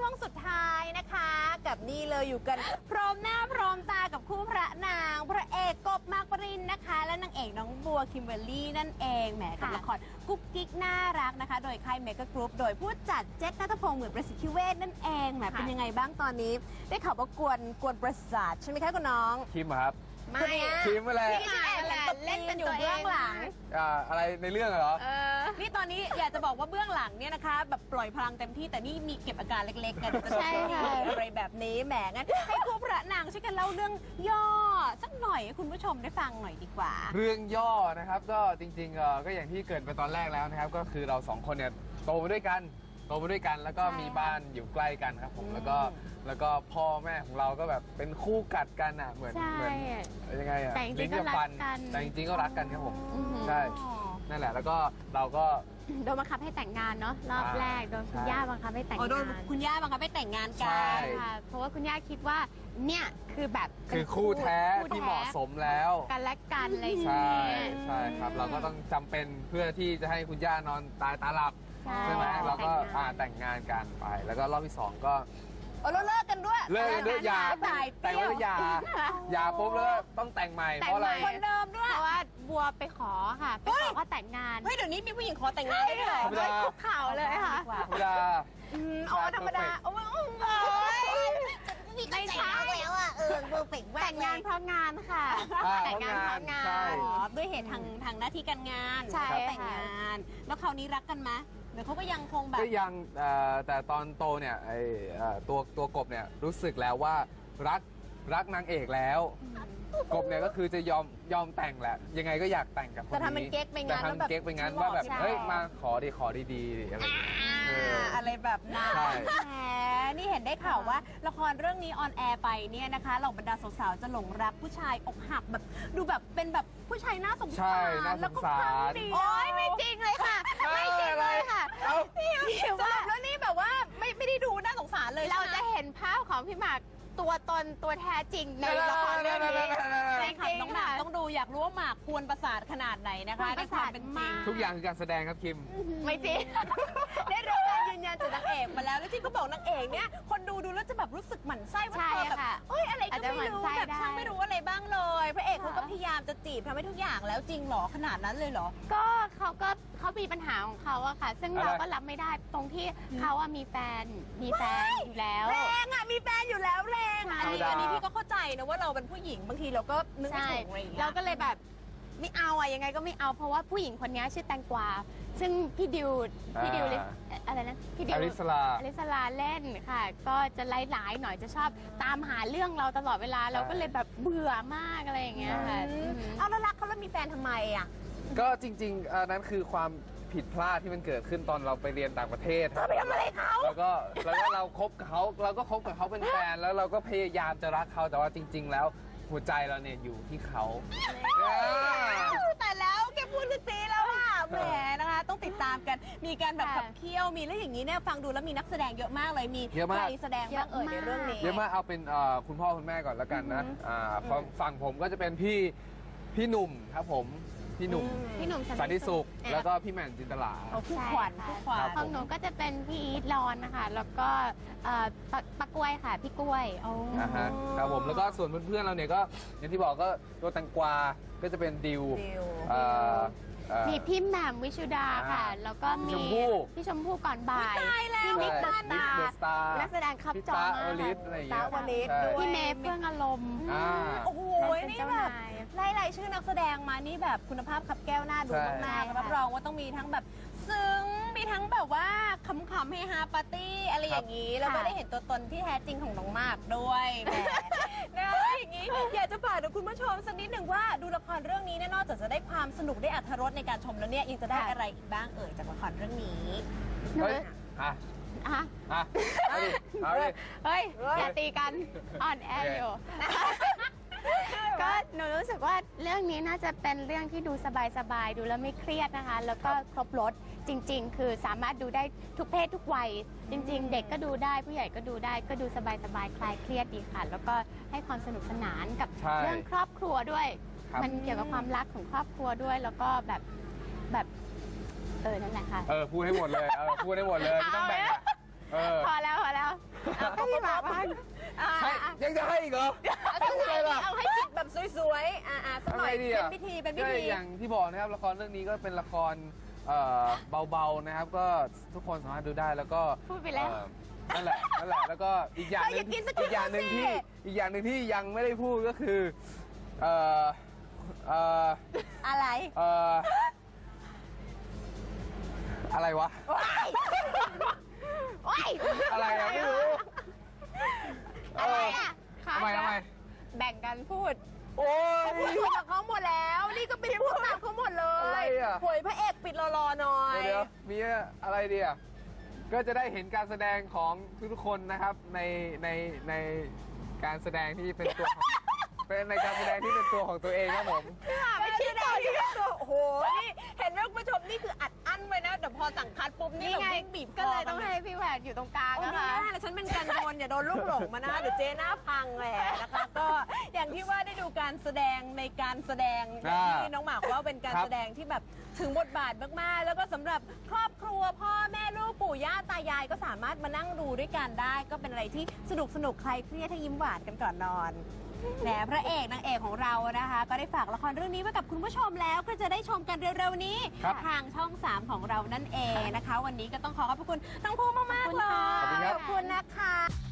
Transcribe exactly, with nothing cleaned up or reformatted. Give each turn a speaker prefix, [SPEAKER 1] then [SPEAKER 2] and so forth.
[SPEAKER 1] ช่วงสุดท้ายนะคะกับนี่เลยอยู่กันพร้อมหน้าพร้อมตากับคู่พระนางพระเอกกบมากปรินนะคะและนางเอกน้องบัวคิมเบอร์รี่นั่นเองแหมกับละครกุ๊กกิ๊กน่ารักนะคะโดยค่ายเมกะกรุ๊ปโดยผู้จัดเจษณัฐพงษ์เหมือนประสิทธิเวชนั่นเองแหมเป็นยังไงบ้างตอนนี้ได้ข่าวว่ากวนกวนประสาทใช่ไหมคะคุณน้อง
[SPEAKER 2] คิมครับ
[SPEAKER 1] ไม่
[SPEAKER 2] คิมอะไร
[SPEAKER 1] ที่แอบเล่นเป็นอยู่เบื้องหลัง
[SPEAKER 2] อ่าอะไรในเรื่องเหรอ
[SPEAKER 1] นี่ตอนนี้อยากจะบอกว่าเบื้องหลังเนี่ยนะคะแบบปล่อยพลังเต็มที่แต่นี่มีเก็บอาการเล็กๆกันจะใช่อะไรแบบนี้แหมงั้นให้คู่พระนางช่วยกันเล่าเรื่องย่อสักหน่อยให้คุณผู้ชมได้ฟังหน่อยดีกว่า
[SPEAKER 2] เรื่องย่อนะครับก็จริงๆก็อย่างที่เกิดไปตอนแรกแล้วนะครับก็คือเราสองคนเนี่ยโตมาด้วยกันโตมาด้วยกันแล้วก็มีบ้านอยู่ใกล้กันครับผมแล้วก็แล้วก็พ่อแม่ของเราก็แบบเป็นคู่กัดกันอ่ะเหมือนเหมือนยังไงอ่ะ
[SPEAKER 3] ลิ้นกับฟัน
[SPEAKER 2] แต่จริงๆก็รักกันครับผมใช่นั่นแหละแล้วก็เราก็
[SPEAKER 3] โดนบังคับให้แต่งงานเนาะรอบแรกโดนคุณย่าบังคับให้แต่งงาน
[SPEAKER 1] โดนคุณย่าบังคับให้แต่งงานกัน
[SPEAKER 3] ค่ะเพราะว่าคุณย่าคิดว่าเนี่ยคือแบบ
[SPEAKER 2] คือคู่แท้ที่เหมาะสมแล้ว
[SPEAKER 3] กันและกันอะไรอย่าง
[SPEAKER 2] เงี้ยใช่ครับเราก็ต้องจำเป็นเพื่อที่จะให้คุณย่านอนตายตาหลับใช่ไหมเราก็แต่งงานกันไปแล้วก็รอบที่สองก็
[SPEAKER 1] โอ้เราเลิกกันด้วย
[SPEAKER 2] เลิกกันด้วยยาแต่งแล้วยายาปุ๊บแล้วต้องแต่งใหม่เพราะอะไร
[SPEAKER 1] คนเดิมด้วย
[SPEAKER 3] เพราะว่าบัวไปขอค่ะไปขอเขาแต่งงาน
[SPEAKER 1] เฮ้ยเดี๋ยวนี้มีผู้หญิงขอแต่งงานได้ด้วย
[SPEAKER 3] เลยคุกเข่าเลยค่ะ
[SPEAKER 2] ธรรมดา
[SPEAKER 1] อ๋อธรรมดาโอ้ย
[SPEAKER 3] ไม่ใช่
[SPEAKER 1] แล้วอ่ะเออเพอร์เฟกต์
[SPEAKER 3] แต่งงานเพราะงานค่ะแต่งงานเพราะงาน
[SPEAKER 1] ด้วยเหตุทางทางหน้าที่การงาน
[SPEAKER 3] ใช่
[SPEAKER 1] แต่งงานแล้วคราวนี้รักกันไหมเดี๋ยวเขาก็ยังคงแบบ
[SPEAKER 2] ก็ยังแต่ตอนโตเนี่ยไอตัวตัวกบเนี่ยรู้สึกแล้วว่ารักรักนางเอกแล้วกบเนี่ยก็คือจะยอมยอมแต่งแหละยังไงก็อยากแต่งกับคนนี้
[SPEAKER 1] แต่ทำมันเก๊กไปงั้น
[SPEAKER 2] แต่ทำเก๊กไปงั้นว่าแบบเฮ้ยมาขอดีขอดีๆอะไร
[SPEAKER 1] อะไรแบบนั้นแหมนี่เห็นได้ข่าวว่าละครเรื่องนี้ออนแอร์ไปเนี่ยนะคะเหล่าบรรดาสาวๆจะหลงรักผู้ชายอกหักแบบดูแบบเป็นแบบผู้ชายน่าสงสาร
[SPEAKER 2] แล้วก็ฟังดี
[SPEAKER 1] โอ๊ยไม่จริงเลยค่ะไม่จริงเลยค่ะนี่สรุปแล้วนี่แบบว่าไม่ไม่ได้ดูน่าสงสารเลย
[SPEAKER 3] เราจะเห็นภาพของพี่หมากตัวตนตัวแท้จริงในละครเรื่องนี้
[SPEAKER 1] ใช่ค่ะน้องหมากต้องดูอยากรู้ว่าหมากกวนประสาทขนาดไหนนะคะในความเป็นจริง
[SPEAKER 2] ทุกอย่างคือการแสดงครับคิม
[SPEAKER 1] ไม่จริงได้รับการยืนยันจากนางเอกมาแล้วแล้วที่เขาบอกนางเอกเนี่ยคนดูดูแล้วจะแบบรู้สึกหมั่นไส้ว่าเธอแบบเอ้ยอะไรก็ไม่รู้แบบช่างไม่รู้อะไรบ้างเลยพระเอกเขาก็พยายามจะจีบทำให้ทุกอย่างแล้วจริงหรอขนาดนั้นเลยเหรอ
[SPEAKER 3] ก็เขาก็เขามีปัญหาของเขาอะค่ะซึ่งเราก็รับไม่ได้ตรงที่เขาอะมีแฟนมีแฟนอยู่แล้ว
[SPEAKER 1] แรงอะมีแฟนอยู่แล้วแรงอันนี้อันนี้พี่ก็เข้าใจนะว่าเราเป็นผู้หญิงบางทีเราก็นึกไม่ถูกอะไรอย่างเงี้ย
[SPEAKER 3] เราก็เลยแบบไม่เอาอะยังไงก็ไม่เอาเพราะว่าผู้หญิงคนนี้ชื่อแตงกวาซึ่งพี่ดิวพี่ดิวอะไรนะพี่ดิว
[SPEAKER 2] อลิสลา
[SPEAKER 3] อลิสลาเล่นค่ะก็จะไล่หลายหน่อยจะชอบตามหาเรื่องเราตลอดเวลาเราก็เลยแบบเบื่อมากอะไรอย่างเงี้ยค่ะ
[SPEAKER 1] เอาแล้วรักเขาแล้วมีแฟนทำไมอะ
[SPEAKER 2] ก็จริงๆอันนั้นคือความผิดพลาดที่มันเกิดขึ้นตอนเราไปเรียนต่างประเทศ
[SPEAKER 1] เราไปทำอะไรเขา
[SPEAKER 2] แล้วก็แล้วก็เราคบกับเขาเราก็คบกับเขาเป็นแฟนแล้วเราก็พยายามจะรักเขาแต่ว่าจริงๆแล้วหัวใจเราเนี่ยอยู่ที่เขา
[SPEAKER 1] แต่แล้วแกพูดคือตีแล้วอ่ะแหมนะคะต้องติดตามกันมีการแบบขับเคี่ยวมีแล้วอย่างนี้เนี่ยฟังดูแล้วมีนักแสดงเยอะมากเลยมีใครแสดงบ้างเอ่ยในเรื่องนี้
[SPEAKER 2] เยอะมากเอาเป็นคุณพ่อคุณแม่ก่อนแล้วกันนะฝั่งผมก็จะเป็นพี่พี่หนุ่มครับผมพี่หนุ่ม
[SPEAKER 3] พี่หนุ่ม
[SPEAKER 2] สันติสุขแล้วก็พี่แหม่มจินตลา
[SPEAKER 1] ผู้ขวัญผู้ขวัญ
[SPEAKER 3] ของหนูก็จะเป็นพี่อีทรอนนะคะแล้วก็ปักกล้วยค่ะพี่กล้วย
[SPEAKER 2] นะฮะครับผมแล้วก็ส่วนเพื่อนๆเราเนี่ยก็อย่างที่บอกก็ตัวแตงกวาก็จะเป็นดิว
[SPEAKER 3] มีพี่แหม่มวิชุดาค่ะแล้วก็มีพี่ชมพู่ก่อนบ่าย
[SPEAKER 1] พี่นิกตา
[SPEAKER 3] ตานักแสดงครับจอมา
[SPEAKER 2] ตาลิศอะไรอย่างเงี้ย
[SPEAKER 1] ตาวลิศ
[SPEAKER 3] พี่เมย์เฟื่องอารมณ์
[SPEAKER 1] โอ้โหนี่แบบไล่ๆชื่อนักแสดงมานี่แบบคุณภาพขับแก้วหน้าดูมากๆรับรองว่าต้องมีทั้งแบบซึ้งมีทั้งแบบว่าขำๆเฮฮาปาร์ตี้อะไรอย่างนี้แล้วก็ได้เห็นตัวตนที่แท้จริงของน้องมากด้วยแหมนะอย่างนี้อยากจะฝากถึงคุณผู้ชมสักนิดหนึ่งว่าดูละครเรื่องนี้นอกจากจะได้ความสนุกได้อรรถรสในการชมแล้วเนี่ยยังจะได้อะไรอีกบ้างเอ่ยจากละครเรื่องนี้
[SPEAKER 2] เฮ้ยอ่ะ
[SPEAKER 3] อ่ะ
[SPEAKER 2] อ่ะเอาดิเอาดิ
[SPEAKER 3] เฮ้ยอย่าตีกันอ่อนแออยู่ก็หนูรู้สึกว่าเรื่องนี้น่าจะเป็นเรื่องที่ดูสบายๆดูแล้วไม่เครียดนะคะแล้วก็ครบรสจริงๆคือสามารถดูได้ทุกเพศทุกวัยจริงๆเด็กก็ดูได้ผู้ใหญ่ก็ดูได้ก็ดูสบายๆคลายเครียดดีค่ะแล้วก็ให้ความสนุกสนานกับเรื่องครอบครัวด้วยมันเกี่ยวกับความรักของครอบครัวด้วยแล้วก็แบบแบบเออนั่นแหละค่ะ
[SPEAKER 2] เออพูดให้หมดเลยเออพูดให้หมดเลยไม่ต้องแบ่งเออ
[SPEAKER 3] พอแล้วพอแล้วเอาให้พี่หมากบ้าง
[SPEAKER 1] อ่า
[SPEAKER 2] ให้ยังจะให้อีกเหรอ
[SPEAKER 1] เอา
[SPEAKER 2] ไม่
[SPEAKER 1] ไง
[SPEAKER 2] ได้
[SPEAKER 1] ดี
[SPEAKER 2] ล่ะ
[SPEAKER 1] เอาให้จิตแบบสวยๆ อ่าๆสักหน่อย
[SPEAKER 2] ทำไงดี
[SPEAKER 1] เป็
[SPEAKER 2] อะ
[SPEAKER 1] นพิธีเป็นพิ
[SPEAKER 2] ก็
[SPEAKER 1] ธี
[SPEAKER 2] อย่างที่บอกนะครับละครเรื่องนี้ก็เป็นละครเอ่อเบาๆนะครับ ก็ทุกคนสามารถดูได้แล้วก็
[SPEAKER 3] พูดไปแล้ว
[SPEAKER 2] เอ่อนั่นแหละนั่นแหละแล้วก็อีกอย่างหนึ่งอีกอย่างหนึ่งที่อีกอย่างหนึ่งที่ยังไม่ได้พูดก็คือเอ่อเอ่อ
[SPEAKER 1] อะไร
[SPEAKER 2] เอ่ออะไรวะ
[SPEAKER 1] ว้ายว้าย
[SPEAKER 2] อะไรอะไม่รู้
[SPEAKER 3] อะไรอ่ะ
[SPEAKER 2] ทำไมทำไม
[SPEAKER 3] แบ่งกันพูด
[SPEAKER 2] โอ้ย
[SPEAKER 1] พูดกับเขาหมดแล้ว นี่ก็เป็นพูดตามเขาหมดเล
[SPEAKER 2] อะไร
[SPEAKER 1] ย
[SPEAKER 2] อะ
[SPEAKER 1] หวยพระเอกปิดรอๆหน่อย
[SPEAKER 2] เดี๋ยวมีอะไรดีอ่ะ ก็จะได้เห็นการแสดงของทุกๆคนนะครับในในในการแสดงที่เป็นตัวของ เป็นในการแสดงที่เป็นตัวของตัวเองครับผม
[SPEAKER 1] ไม่คิดเลยที่ตัวโอ้โห นี่เห็นไหมคุณผู้ชมนี่คืออัดอั้นไว้นะแต่พอสั่งคัดปุ๊บนี่
[SPEAKER 3] นี่
[SPEAKER 1] แบบ
[SPEAKER 3] ไง
[SPEAKER 1] วิ่งบีบค
[SPEAKER 3] ก็เลยต้องให้พี่แหวนอยู่ตรงกลาง
[SPEAKER 1] โอ้
[SPEAKER 3] นะ
[SPEAKER 1] ไม่
[SPEAKER 3] คะ
[SPEAKER 1] ได้แล้วฉันเป็นกันโดนอย่าโดนลูกหลงมานะเดี๋ยวเจ๊หน้าพังแหละนะคะ ก็อย่างที่ว่าได้ดูการแสดงในการแสดงอย่างที่น้องหมากว่าเป็นการแสดงที่แบบถึงบทบาทมากๆ แล้วก็สำหรับครอบครัวพ่อแม่ลูกปู่ย่าตายายก็สามารถมานั่งดูด้วยกันได้ ก็เป็นอะไรที่สนุกสนุกๆใครเครียดให้ยิ้มหวานกันก่อนนอนแหมพระเอกนางเอกของเรานะคะ ก็ได้ฝากละครเรื่องนี้ไว้กับคุณผู้ชมแล้วก็จะได้ชมกันเร็วๆนี้
[SPEAKER 2] ครับ
[SPEAKER 1] ทางช่องสามของเรานั่นเองนะคะ วันนี้ก็ต้องขอขอบพระคุณทั้งคู่มากๆเลย
[SPEAKER 2] ขอบคุณครับ
[SPEAKER 1] ขอบคุณนะคะ